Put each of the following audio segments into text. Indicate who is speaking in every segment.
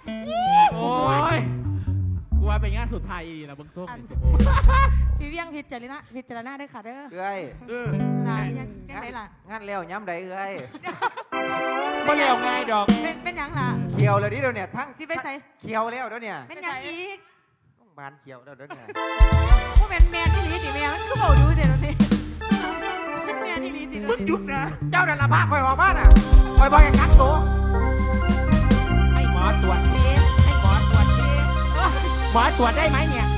Speaker 1: โอ้ยกูว่าเป็นงานสุดท้ายดีนะเบิ้งส้มนี่สิโอ้
Speaker 2: พี่เวียงพิจารณาได้ค่ะเด้อ
Speaker 3: เอ้ย
Speaker 2: ล่ะยังไงล่ะ
Speaker 3: งั้นแล้วย้ำใดเอ้ย
Speaker 1: ไม่เร็วไงดอก
Speaker 2: เป็นยังล่ะ
Speaker 3: เขียวเลยดิเดี๋ยวเนี่ยทั้ง
Speaker 2: สิไปใส่
Speaker 3: เขียวแล้วเดี๋ยวเนี่ย
Speaker 2: เป็นยังอีก
Speaker 3: ต้องบานเขียวแล้วเดี๋ยวเนี่ย
Speaker 2: พวกแมนที่ลีติแมวก็บอกดูเดี๋ยวนี้แมนที่ลีติ
Speaker 4: มึงหยุดนะ
Speaker 3: เจ้านั่นละพาคอยออกบ้านอ่ะคอยบอกอย่างกักตัว
Speaker 1: ให้หมอตรวจสิให้หมอตรวจสิหมอตรวจได้ไหมเนี่ย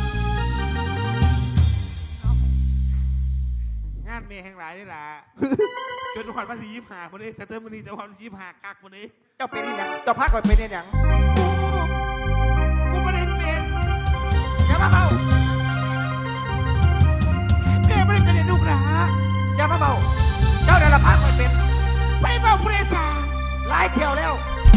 Speaker 4: งานเมย์แห่งหลายนี่แหละจนขวัญภาษี25คนนี้แต่เติมมันนี่จะขวัญภาษี25กักคนนี้
Speaker 3: เจ้าเป็นอีหยังเจ้าพาคอยเป็นอีหยัง
Speaker 4: กูไม่ได้เป็น
Speaker 3: อย่ามาเบา
Speaker 4: แม่ไม่ได้เป็นเลยลูกหลา
Speaker 3: อย่ามาเบาเจ้านั่นละพาคอยเป็น
Speaker 4: ไปเมาผู้โดยสาร
Speaker 3: หลายเที่ยวแล้ว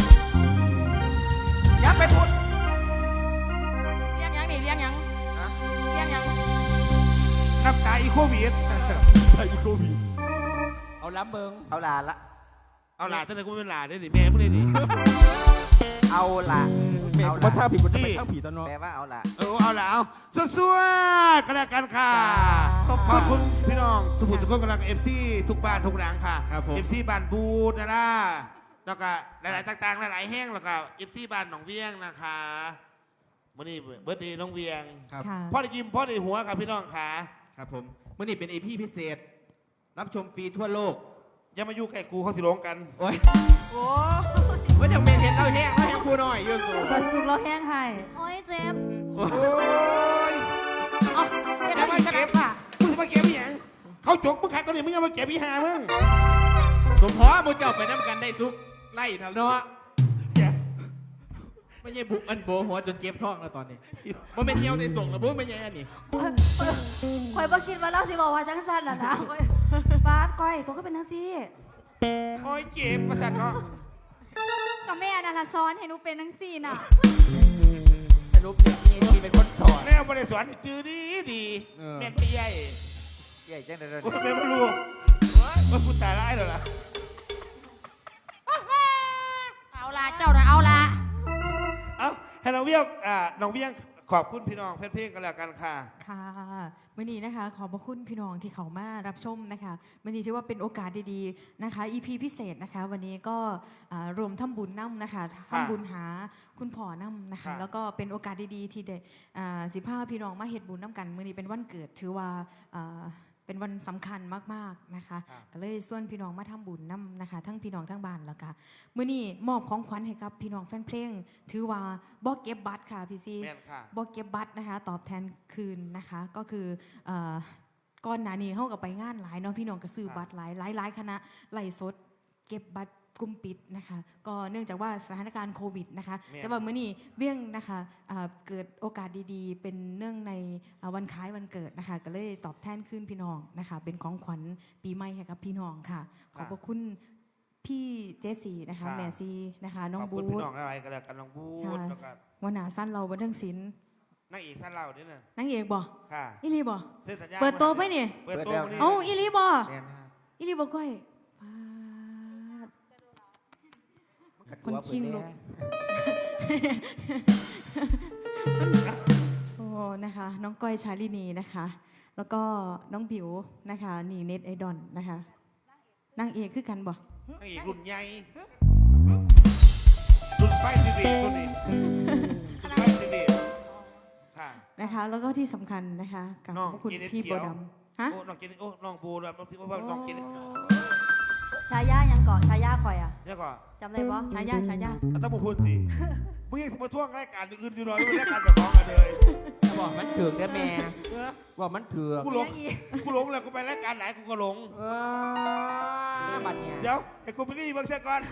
Speaker 3: อย่าไปพูด
Speaker 2: เลี้ยงยังนี่เลี้ยงยัง
Speaker 3: นะ
Speaker 2: เลี้ยงยัง
Speaker 4: น้ำตาอีโควิด
Speaker 1: ไอ้โควิดเอาล้ำเบิง
Speaker 3: เอาล่ะละ
Speaker 4: เอาหลาตั้งแต่กูเป็นหลาได้ดิแม่มึงเลยดิ
Speaker 3: เอาล่ะ
Speaker 1: เมย์
Speaker 3: เอา
Speaker 1: มา
Speaker 3: ล่ะ
Speaker 1: ท่าผิดมันจะเป็นท่าผีตอนนอน
Speaker 3: แปลว่าเอาล่ะ
Speaker 4: เอาละเอาสู้ๆกันแล้วกันค่ะ ขอบคุณพี่น้องทุกผู้ทุกคนกำลังFC ทุกบ้านทุกหลังค่ะ FC บ้านบูดนะแล้วก็หลายๆต่างๆหลายๆแห้งแล้วก็ FC บ้านหนองเวียงนะคะวันนี้เบิร์ดเดย์น้องเวียง
Speaker 1: ครับ
Speaker 4: พ่อได้ยิ้มพ่อได้หัวครับพี่น้องค่ะ
Speaker 1: ครับผมมื่อนี้เป็นเอพีพิเศษ รับชมฟรีทั่วโลก
Speaker 4: อย่ามายุ่งใกล้กูเขาสิลงกัน
Speaker 1: โอ้ย
Speaker 2: โอ้
Speaker 1: ว่าจะเป็นเห็นเราแห้งเราแห้งพูหน่อยยูสู
Speaker 2: กดซุปเราแห้งให้
Speaker 5: โอ้ยเจ็บ
Speaker 4: โอ้ย
Speaker 2: เอ้าเฮ็ดอะไรกันล่ะ
Speaker 4: มึงจะมาเก็บอีหยังเขาจกมึงขายตอนนี้มึงยังมาเก็บอีหามึง
Speaker 1: สมพอมูเจ้าไปน้ำกันได้ซุกไล่นะเนาะ
Speaker 4: อย่า
Speaker 1: ไม่ใช่บุกอันโบหัวจนเจ็บท้องแล้วตอนนี้มันเป็นเที่ยวใส่ส่งแล้วพวกไม่ใช่อันนี้
Speaker 5: ข่อยบ่คิดว่าเราสิบอกว่าจังสั้นน่ะนะข่อยบาสก้อยตัวก็เป็นจังซี่
Speaker 4: โอ้ยเจ็บประสาทเนาะ
Speaker 5: ก็แม่นั่นล่ะสอนให้หนูเป็นจังซี่น่ะ
Speaker 1: สรุปเนี่ยมีเป็นคนสอน
Speaker 4: แม่บริสวนจือดีดีแม่นไม่ใหญ่
Speaker 3: ใหญ่จังเลย
Speaker 4: กูแม่ไม่รู้ว่ากูตายร้ายแล้วล่ะ
Speaker 2: เอาละเจ้าน่ะเอาละ
Speaker 4: เอ้าให้น้องเวียงน้องเวียงขอบคุณพี่น้องเพลงกันแล้วกันค่ะ
Speaker 6: ค่ะวันนี้นะคะขอบพระคุณพี่น้องที่เขามารับชมนะคะวันนี้ถือว่าเป็นโอกาสดีๆนะคะ EP พิเศษนะคะ วันนี้ก็รวมทำบุญน้ำนะคะทำบุญหาคุณพ่อน้ำนะคะ
Speaker 4: ค่ะ
Speaker 6: แล้วก็เป็นโอกาสดีๆที่ได้15พี่น้องมาเฮ็ดบุญน้ำกันวันนี้เป็นวันเกิดถือว่าเป็นวันสำคัญมากๆนะคะก็เลยส่วนพี่น้องมาทำบุญน้ำนะคะ ทั้งพี่น้องทั้งบ้านแล้วก็มื้อนี้มอบของขวัญให้กับพี่น้องแฟนเพลงถือว่าบ่เก็บบัตรค่ะพี่ซี
Speaker 4: แม่นค่ะ
Speaker 6: บอกเก็บบัตรนะคะตอบแทนคืนนะคะก็คือก่อนหน้านี้เขาก็ไปงานหลายเนาะพี่น้องก็ซื้อบัตรหลายคณะไล่สดเก็บบัตรกลุ่มปิดนะคะก็เนื่องจากว่าสถานการณ์โควิดนะคะแต่ว่ามื้อนี้เบี้ยงนะคะเกิดโอกาสดีๆ เป็นเนื่องในวันคล้ายวันเกิดนะคะก็เลยตอบแทนคืนพี่น้องนะคะเป็นของขวัญปีใหม่ให้กับพี่น้องค่ะขอบพระคุณพี่เจสีนะคะแม่ซีนะคะน้อง
Speaker 4: ขอบ
Speaker 6: บู
Speaker 4: คุณพี่
Speaker 6: ธ
Speaker 4: น้องอะไรกันแล้วกันน้องบูธแล้วก็
Speaker 6: วันหนาสั้นเราบันเทิงศิลป์
Speaker 4: นางเอกท่านเราเนี่ยนะ
Speaker 6: นางเอกบ่
Speaker 4: ค่ะ
Speaker 6: อีลีบ่
Speaker 4: เส้นสัญญา
Speaker 6: เปิดโตไปนี่
Speaker 4: เปิดโตนี่
Speaker 6: เอ้าอีลีบ่
Speaker 3: เรียนนะครับ
Speaker 6: อีลีบ่ก้อยปาด คนคิงลูก โอ้นะคะ น้องก้อยชาลินีนะคะ แล้วก็น้องบิวนะคะนี่เน็ตไอดอลนะคะนางเอกคือกันบ่
Speaker 4: นางเอกรุ่นใหญ่รุ่นไฟทีวีรุ่นนี้รุ่นไฟทีวีค่ะ
Speaker 6: นะคะ แล้วก็ที่สำคัญนะคะกับ
Speaker 4: น้อง
Speaker 6: พระคุณ
Speaker 4: กินเน็ต
Speaker 6: พี่
Speaker 4: เขี
Speaker 6: โบ
Speaker 4: ยว
Speaker 6: ดำฮะ
Speaker 4: โอ้น้องกินโอ้น้องบูแบบน้องที่ว่าน้องกิน
Speaker 5: ชายายังเกาะชายาข่อยอ่ะ
Speaker 4: เนี่ยก่อน
Speaker 5: จำได้บ่
Speaker 6: ฉายา
Speaker 4: ต้องพูดสิมึงยังมาท่วงรายการอื่นอยู่หน่อยไม่รายการแบบของกันเลย
Speaker 1: บอกมันถือกได้แม่
Speaker 4: เออ
Speaker 1: บอกมันถือก
Speaker 4: กูหลงแล้วกูไปรายการไหนกูก็หลง
Speaker 1: บัดเนี่ย
Speaker 4: เดี๋ยวไอ้กูไปรีบางเสียก่อน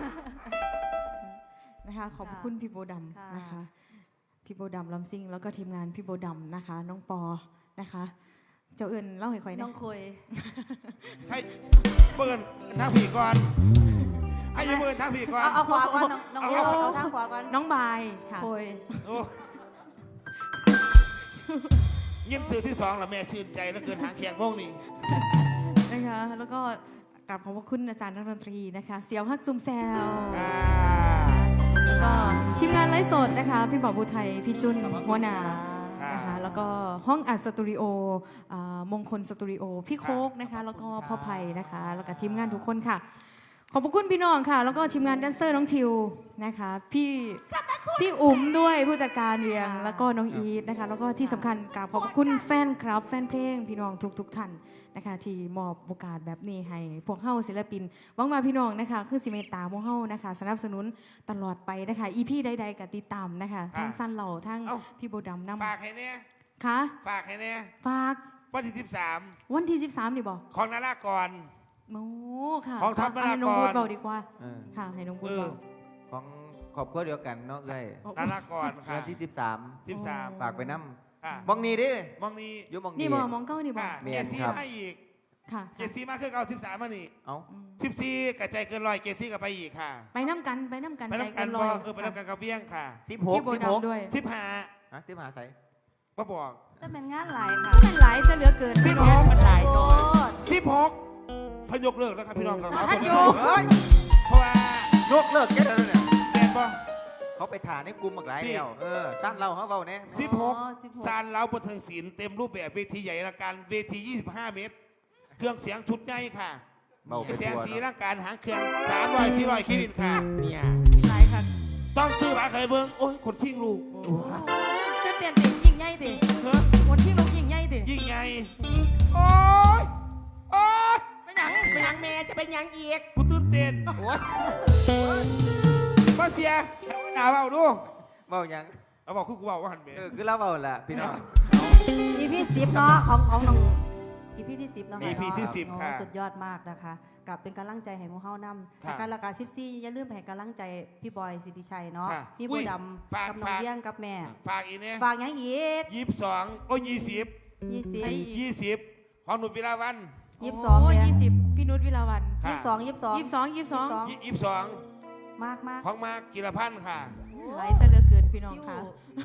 Speaker 6: นะคะขอบพระคุณพี่โบดำนะคะพี่โบดำลำซิ่งแล้วก็ทีมงานพี่โบดำนะคะ น้องปอนะคะ เจ้าเอิญเล่าให้ค่อย
Speaker 5: น้
Speaker 6: นะ
Speaker 5: องคุย
Speaker 4: ให้เปิดทางผีก่อนให้ยังเปิดทางผีก่อน
Speaker 5: เอาขวาก่อนน้องเวียงเอาทางขวาก่อน
Speaker 6: น้องบายค่ะ
Speaker 5: คุย
Speaker 4: โอ้ยิ้มสื่อที่สองละแม่ชื่นใจแล้วเกินหางเคียงโมงนี่
Speaker 6: นะคะแล้วก็กราบขอบพระคุณอาจารย์นักดนตรีนะคะ เสียวฮักซุมแซว
Speaker 4: อ่า
Speaker 6: แล้วก็ทีมงานไลฟ์สดนะคะ พี่บอกบุไทยพี่จุนหัวหนานะคะแล้วก็ห้องอัดสตูดิโอมงคลสตูดิโอพี่โคกนะคะแล้วก็พ่อไผ่นะคะแล้วก็ทีมงานทุกคนค่ะ ขอบคุณพี่น้องค่ะ แล้วก็ทีมงานแดนเซอร์น้องทิวนะคะพี่อุ๋มด้วยผู้จัดการเรียงแล้วก็น้องอีทนะคะแล้วก็ที่สำคัญกราบขอบคุณแฟนคลับแฟนเพลงพี่น้องทุกท่านนะคะที่มอบโอกาสแบบนี้ให้พวกเฮาศิลปินหวังว่าพี่น้องนะคะคือสิเมตตาพวกเฮานะคะสนับสนุนตลอดไปนะคะอีพีใดๆกับติดตามนะคะทั้งสั้นเหล่าทั้งพี่โบดำนำ
Speaker 4: ฝากให้เนี่ย
Speaker 6: ค่ะ
Speaker 4: ฝากให้เนี่ย
Speaker 6: ฝาก
Speaker 4: วันที่
Speaker 6: วันที่13นี่บอก
Speaker 4: 13ของนารากร
Speaker 6: โอ้ค่ะ
Speaker 4: ของทัพ
Speaker 6: ให้น้อง
Speaker 4: นารากร
Speaker 6: บูดเบาดีกว่า
Speaker 3: เออ
Speaker 6: ค่ะให้น้องบูด
Speaker 4: เออ
Speaker 6: เบา
Speaker 3: ของครอบครัวเดียวกันเนาะเอ้ย
Speaker 4: นารากรค่ะ
Speaker 3: วันที่
Speaker 4: 13
Speaker 3: ฝากไปน้
Speaker 4: ค่ะ
Speaker 3: ำมองนี้ดิ
Speaker 4: มองนี้
Speaker 3: อยู่มอง
Speaker 6: นี่
Speaker 3: นี้
Speaker 6: มองเก้านี่บอ
Speaker 4: ค่ะ
Speaker 6: ก
Speaker 3: แม่
Speaker 4: เก
Speaker 3: น
Speaker 4: ซี่
Speaker 3: ครับ
Speaker 4: มาอีก
Speaker 6: ค่ะ
Speaker 4: เกซี่มาคือเอา13มานี่
Speaker 3: เอ้า
Speaker 4: 14กระจายเกินร้อยเกซี่กับไปอีกค่ะ
Speaker 6: ไปน้ำกันไปน้ำกัน
Speaker 4: ไป
Speaker 6: ใจ
Speaker 4: น้ำกั
Speaker 6: กัน นล
Speaker 4: บ่
Speaker 6: อย
Speaker 4: ไปน้ำกันกับเวียงค่ะ
Speaker 3: 16
Speaker 6: พี่โบดำด้วย
Speaker 4: 15
Speaker 3: ฮะที่มหาไส
Speaker 4: มาบอก
Speaker 5: จะเป็นงานหลายค่ะ
Speaker 6: เป็นหลายซะเหลือเกิน
Speaker 4: 16
Speaker 1: มันหลาย
Speaker 5: โอ้
Speaker 1: น้อย
Speaker 4: 16พยกเลิกแล้วครับพี่น้องครับ
Speaker 5: ท่านโยก
Speaker 3: เฮ้ย
Speaker 4: เพราะว่า
Speaker 3: โลกเลิกแค่นั้นเนี่ย
Speaker 4: แม่นบ่
Speaker 3: เขาไปถ่ายในกลุ่มบักหลาย
Speaker 4: ที่
Speaker 3: เดียวสั้นเราเขาเบาแน่
Speaker 4: 16ซานเล้าบันเทิงศิลป์เต็มรูปแบบเวทีใหญ่ละกันเวที 25 เมตร เครื่องเสียงชุดใหญ่ค่ะ
Speaker 3: เบาไป
Speaker 4: เสียง
Speaker 3: ตัว
Speaker 4: สี
Speaker 3: เนาะ
Speaker 4: ร่างการหางเครื่อง300-400คิวินค่ะ
Speaker 1: เนี่ย
Speaker 6: หลายค่ะ
Speaker 4: ต้องซื้อบัตรเคยเบิ้งโอ้ยคนทิ้งลูก
Speaker 5: จะเปลี่ยนติยิ่งใหญ่สิ
Speaker 4: เฮ้ย
Speaker 5: คนที่ลงยิ่งใหญ่สิ
Speaker 4: ยิ่งไงโอ้ยโอ้ย
Speaker 1: ไปหยังไปหยังแม่จะไปหยังอีก
Speaker 4: กูตื่นเต้น
Speaker 3: โอ้ย
Speaker 4: มาเสียหนาเบาดู
Speaker 3: เบาหยัง
Speaker 4: เอาบอกคือกูบอกว่าหันเบ
Speaker 3: คือเราเบาละพี่น้อง
Speaker 5: อีพี10เนาะของน้องอีพีที่10เนาะ
Speaker 4: EP ที่10
Speaker 5: โอ้
Speaker 4: ค่ะ
Speaker 5: สุดยอดมากนะคะกับเป็นกำลังใจให้หมูเฮานำ
Speaker 4: ค่ะ
Speaker 5: การละกา14อย่าลืมให้กำลังใจพี่บอยสิทธิชัยเนาะ
Speaker 4: ค่ะ
Speaker 5: พี่
Speaker 4: อุ้
Speaker 5: บัวย ด
Speaker 4: ฝาก
Speaker 5: ำกับน้อง
Speaker 4: ฝาก
Speaker 5: เลี้ยงกับแม่
Speaker 4: ฝากอีกเนี่ย
Speaker 5: ฝากหยังอีก
Speaker 4: 22โอ้ย20ของหนุ่มวิลาวัน
Speaker 5: 22
Speaker 6: โอ้
Speaker 5: เนี่ย
Speaker 6: 20พี่นุชวิลาวัน
Speaker 4: ค่ะ
Speaker 6: 22
Speaker 5: มากมาก
Speaker 4: ของมากิรพันธ์ค่ะ
Speaker 6: หลายซะเหลือเกินพี่น้องค่ะ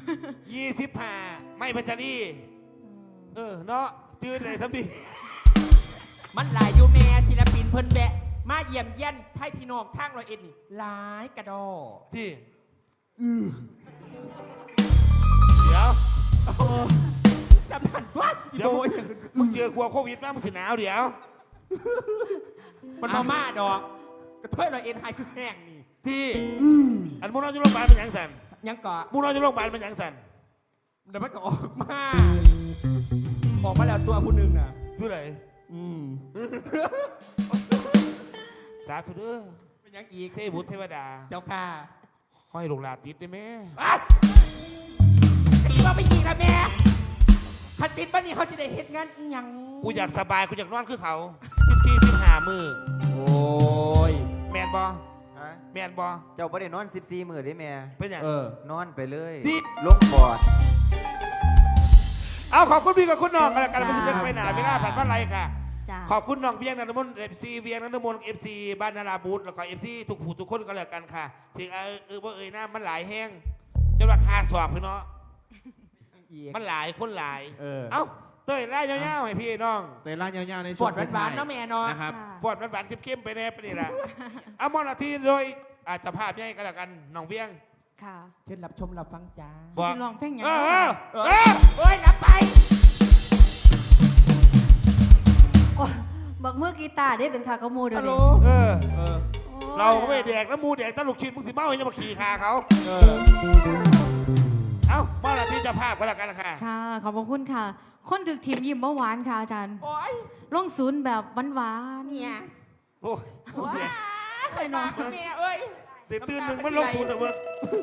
Speaker 4: 25ไม่พัชรีเนาะจืดเลยทั้งดี
Speaker 1: มันหลายอยู่แม่ศิลปินเพิ่นแบะมาเยี่ยมเยียนไทยพี่น้องทาง101นี่หลายกระดอ
Speaker 4: ที่เดี๋ยว
Speaker 1: สำคัญว่าสิ
Speaker 4: เดี๋ยว
Speaker 1: โบ
Speaker 4: มึงเจอกลัวโควิดมามึงสิหนาวเดี๋ยว
Speaker 1: มันมาดอกกระเทย101ไฮคือแห้งนี่
Speaker 4: ที่อันมูนอนจะโรงพยาบาลเป็นหยังสัน
Speaker 1: ยังเกาะ
Speaker 4: มูนอนจะโรงพยาบาลเป็นหยังสัน
Speaker 1: เดี๋ยวมันก็ออกมาแล้วตัวผู้หนึ่งน่ะ
Speaker 4: ชื่ออะไร
Speaker 1: อืม
Speaker 4: สาธุเด้อ
Speaker 1: เป็นหยังอีก
Speaker 4: เทพบุตรเทวดา
Speaker 1: เจ้าค่ะ
Speaker 4: ห้อยลูกหลานติดได้ไหม
Speaker 1: ตีว่าไปยิงนะแม่คันติดบ้านนี้เขาจะได้เฮ็ดงานอีหยัง
Speaker 4: กูอยากสบายกูอยากนอนคือเขา14-15มือ
Speaker 1: โอ้ย
Speaker 4: แมนบอ
Speaker 3: ฮะ
Speaker 4: แมนบอ
Speaker 3: เจ้าประเด็นนอน14 มื้อได้แม่
Speaker 4: เป็นหยัง
Speaker 3: นอนไปเลย
Speaker 4: ที่
Speaker 3: ลงปอด
Speaker 4: เอาขอบคุณพี่กับคุณน้องกันแล้วกันไม่ใช่เรื่องไปหนาเวลาผ่านบ้านไรค่ะ
Speaker 5: จ้า
Speaker 4: ขอบคุณน้องเวียงนันทมนต์FC เวียงนันทมนต์ FC บ้านนาราบูธแล้วก็ FC ทุกผู้ทุกคนก็แล้วกันค่ะถึงว่าหน้ามันหลายแห้งจนราคาสอบพี่เนาะ
Speaker 1: อีก
Speaker 4: มันหลายคนหลาย
Speaker 1: เอ้า
Speaker 4: เต้ยไล่ยาวๆให้พี่น้อง
Speaker 7: เตยล่ายาวๆใน
Speaker 1: ฝ
Speaker 7: ช่ว
Speaker 1: ด
Speaker 7: ง
Speaker 1: หวานๆเนาะแม่เนาะ
Speaker 7: นะครับ
Speaker 4: ปวดหวานๆเข้มๆไปแน่ไปนี่แหละเอามอนาทีโดยอาจจะภาพใหญ่ก็แล้วกันน้องเวียง
Speaker 6: ค่ะ
Speaker 1: เชิญรับชมรับฟังจ้า
Speaker 4: บอก
Speaker 6: สิลองเพลงหยัง
Speaker 1: โอ้ยนับไป
Speaker 5: โอ้บักมือกีตาร์ได้เป็นคากระมูเดี๋ยว
Speaker 1: ฮัลโหล
Speaker 5: นี้
Speaker 4: เราก็ไม่แดกแล้วมูแดกตะลุกชิ้นมึงสิเมาให้จะมาขี่คาเขาเอามอนาทีจะภาพก็แล้วกันค่ะ
Speaker 6: ค่ะขอบพระคุณค่ะ คนถึกทีมยิ้มเมื่อวานค่ะอาจารย์
Speaker 1: โอ้ย
Speaker 6: ลงศูนย์แบบหวาน
Speaker 1: เนี่ย
Speaker 4: โอ้ย
Speaker 1: เคยนอนแม่เอ้ย
Speaker 4: ตื่นหนึ่งมันลงศูนย์เหรอมึง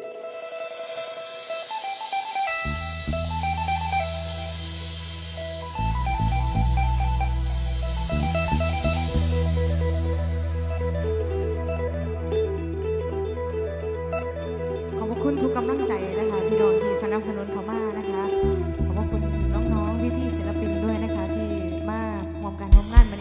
Speaker 6: ขอบพระคุณทุกกำลังใจนะคะพี่น้องที่สนับสนุนเขามานะคะ ขอบพระคุณน้องๆพี่ๆศิลปินด้วยนะคะ ที่มาร่วมการร่วมงานวัน